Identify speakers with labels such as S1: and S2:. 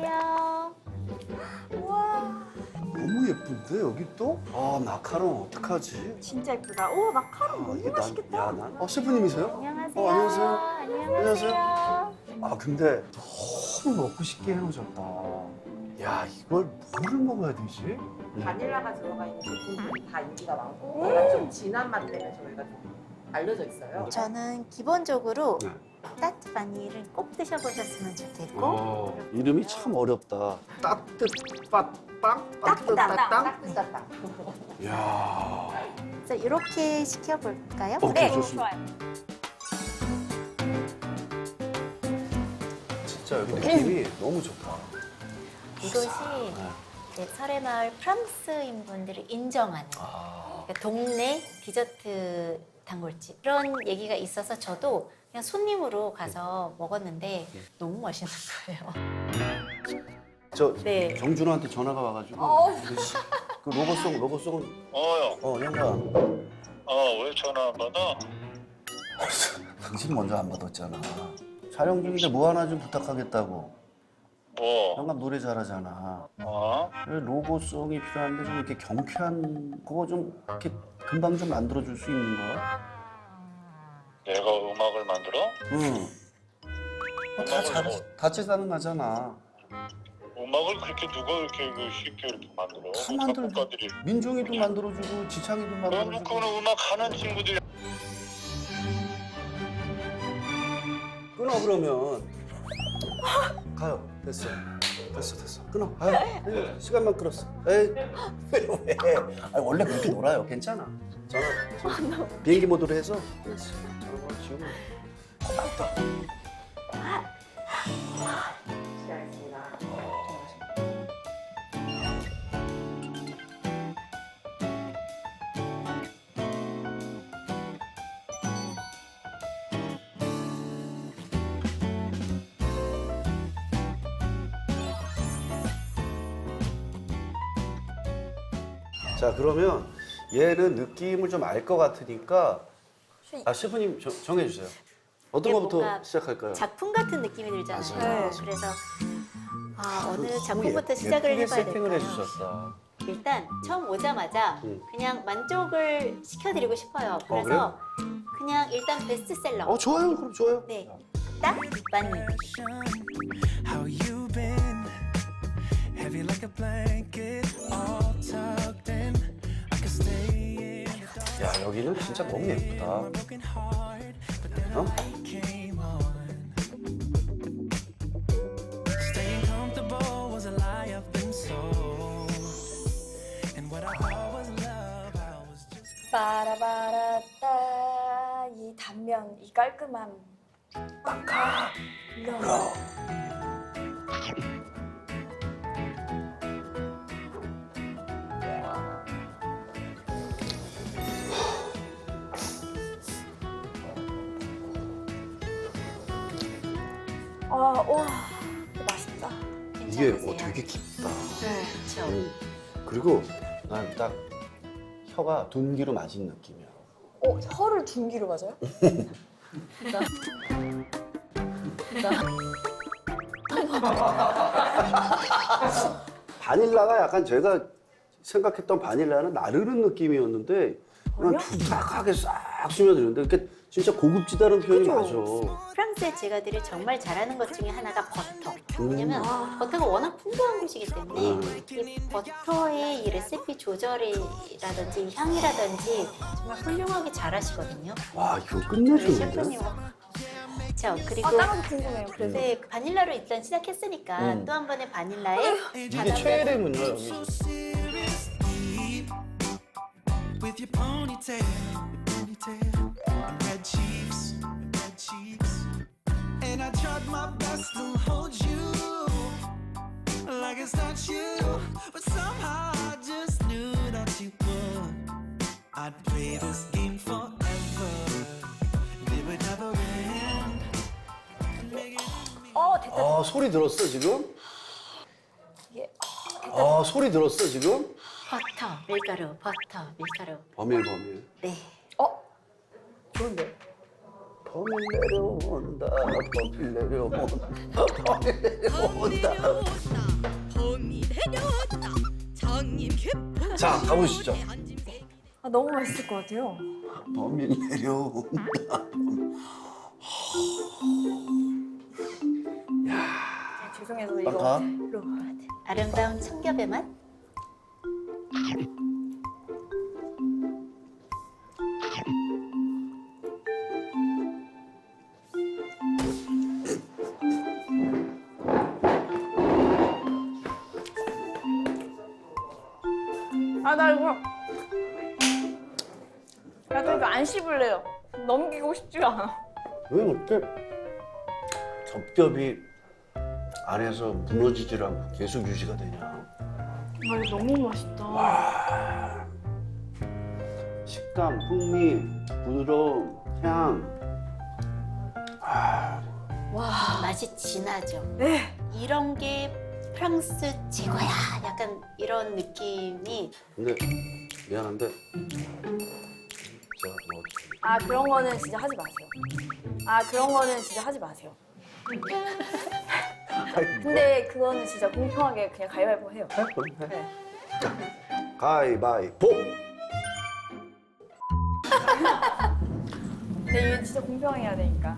S1: 안녕하세요. 우와,
S2: 너무 예쁜데 여기 또? 아 마카롱 어떡하지?
S1: 진짜 예쁘다. 오, 마카롱 너무
S2: 이게
S1: 맛있겠다.
S2: 셰프님이세요?
S1: 안녕하세요.
S2: 안녕하세요.
S1: 안녕하세요.
S2: 아 근데 너무 먹고 싶게 해놓으셨다. 야 이걸 뭐를 먹어야 되지?
S3: 바닐라가 들어가 있는 제품들이 다 인기가 많고 약간 좀 진한 맛 때문에 저희가 좀 알려져 있어요.
S1: 저는 기본적으로
S2: 네.
S1: 따뜻 바닐을 꼭 드셔보셨으면 좋겠고
S2: 이름이 참 어렵다. 따뜻빠빵?
S1: 따뜻따땅.
S3: 따뜻따땅.
S2: 야
S1: 그래서 이렇게 시켜볼까요?
S2: 오케이, 좋습니다.
S1: 좋아요.
S2: 진짜 여기 느낌이 너무 좋다.
S1: 이곳이
S2: 네.
S1: 이제 설해마을 프랑스인 분들이 인정하는 그러니까 동네 디저트 단골집 그런 얘기가 있어서 저도 그냥 손님으로 가서 먹었는데 너무 맛있는 거예요.
S2: 저
S1: 네.
S2: 정준호한테 전화가 와가지고 그 로고송은 양반
S4: 왜 전화 안 받아?
S2: 당신 먼저 안 받았잖아. 촬영 중인데 뭐 하나 좀 부탁하겠다고.
S4: 뭐?
S2: 양반 노래 잘하잖아.
S4: 어?
S2: 그래, 로고송이 필요한데 좀 이렇게 경쾌한 그거 좀 이렇게 금방 좀 만들어줄 수 있는 거야?
S4: 내가 음악을 만들어?
S2: 응. 다 잘하지. 같이 사는 거잖아.
S4: 음악을 그렇게 누가 이렇게 쉽게 이렇게 만들어?
S2: 다 만들죠.
S4: 작곡가들이.
S2: 민종이도 만들어주고 지창이도
S4: 그럼
S2: 만들어주고.
S4: 그거는 음악 하는 친구들이.
S2: 끊어 그러면. 가요. 됐어. 끊어. 가요. 시간만 끌었어. 에이. 왜? 아니, 원래 그렇게 놀아요. 괜찮아. 전화. 비행기 모드로 해서. 됐어. 전화 지우면.
S3: 시작했습니다.
S2: 자 그러면 얘는 느낌을 좀 알 것 같으니까 셰프님 정해주세요. 어떤
S1: 이게
S2: 거부터
S1: 뭔가
S2: 시작할까요?
S1: 작품 같은 느낌이 들잖아요.
S2: 맞아요.
S1: 그래서 어느
S2: 너무
S1: 작품부터 시작을
S2: 예쁘게
S1: 해봐야
S2: 세팅을
S1: 될까요?
S2: 해주셨어.
S1: 일단 처음 오자마자 그냥 만족을 시켜드리고 싶어요. 그래서 그냥 일단 베스트셀러.
S2: 좋아요. 그럼 좋아요.
S1: 네, 딱 바니.
S5: How you been? Heavy like a blanket, all tucked in. I could stay in the dark,
S2: 야 여기는 진짜 너무 예쁘다.
S5: broken heart, but then
S2: 어?
S5: I came on. Staying comfortable was a lie I've been sold, and what I thought was love, I was just.
S6: 빠라바라따 이 단면 이 깔끔함
S2: 그럼.
S6: 와 맛있다.
S2: 이게
S1: 괜찮으세요?
S2: 되게 깊다.
S1: 그렇죠.
S2: 그리고 난 딱 혀가 둔기로 맞은 느낌이야.
S6: 혀를 둔기로 맞아요?
S2: 바닐라가 약간 제가 생각했던 바닐라는 나르는 느낌이었는데 그냥 툭탁하게 싹 스며드는데 이렇게 진짜 고급지다는 표현이 맞아.
S1: 프랑스의 제과들이 정말 잘하는 것 중에 하나가 버터. 왜냐면
S2: 아.
S1: 버터가 워낙 풍부한 곳이기 때문에 이 버터의 이 레시피 조절이라든지 향이라든지 정말 훌륭하게 잘하시거든요.
S2: 와 이거
S1: 우리
S2: 끝내주는데?
S1: 셰프님. 그렇죠. 그리고
S6: 다른 거 궁금해요. 그래서
S1: 네, 그 바닐라로 일단 시작했으니까 또 한 번의 바닐라에
S2: 이게 최애래군요 여기.
S5: So serious, deep, with your ponytail, and red cheeks, and I tried my best to hold you like it's not you, but somehow I just knew that you would. I'd play this game forever, and it would never end.
S6: 됐다.
S2: 소리 들었어 지금?
S6: 이게
S2: 소리 들었어 지금?
S1: 버터, 밀가루, 버터, 밀가루.
S2: 버밀.
S1: 네.
S6: 좋은데?
S2: 범이 내려온다. 범이 내려온다. 범이 내려온다.
S7: 범이 내려온다. 장님 깊은
S2: 자, 가보시죠.
S6: 아, 너무 맛있을 것 같아요.
S2: 범이 내려온다.
S6: 아, 죄송해서 이거
S2: 가.
S1: 로바드. 아름다운 청겹의 맛.
S6: 아, 나 이거 약간 이거 안 씹을래요. 넘기고 싶지가 않아.
S2: 왜 어때? 겹겹이 안에서 무너지질 않고 계속 유지가 되냐?
S6: 아, 이거 너무 맛있다.
S2: 식감, 풍미, 부드러움, 향.
S1: 맛이 진하죠.
S6: 네.
S1: 이런 게 프랑스 최고야. 약간 이런 느낌이
S2: 근데 미안한데 제가 뭐
S6: 아, 그런 거는 진짜 하지 마세요. 아, 그런 거는 진짜 하지 마세요. 근데 그거는 진짜 공평하게 그냥 가위바위보 해요. 네.
S2: 가위바위보.
S6: 근데 이게 진짜 공평해야 되니까.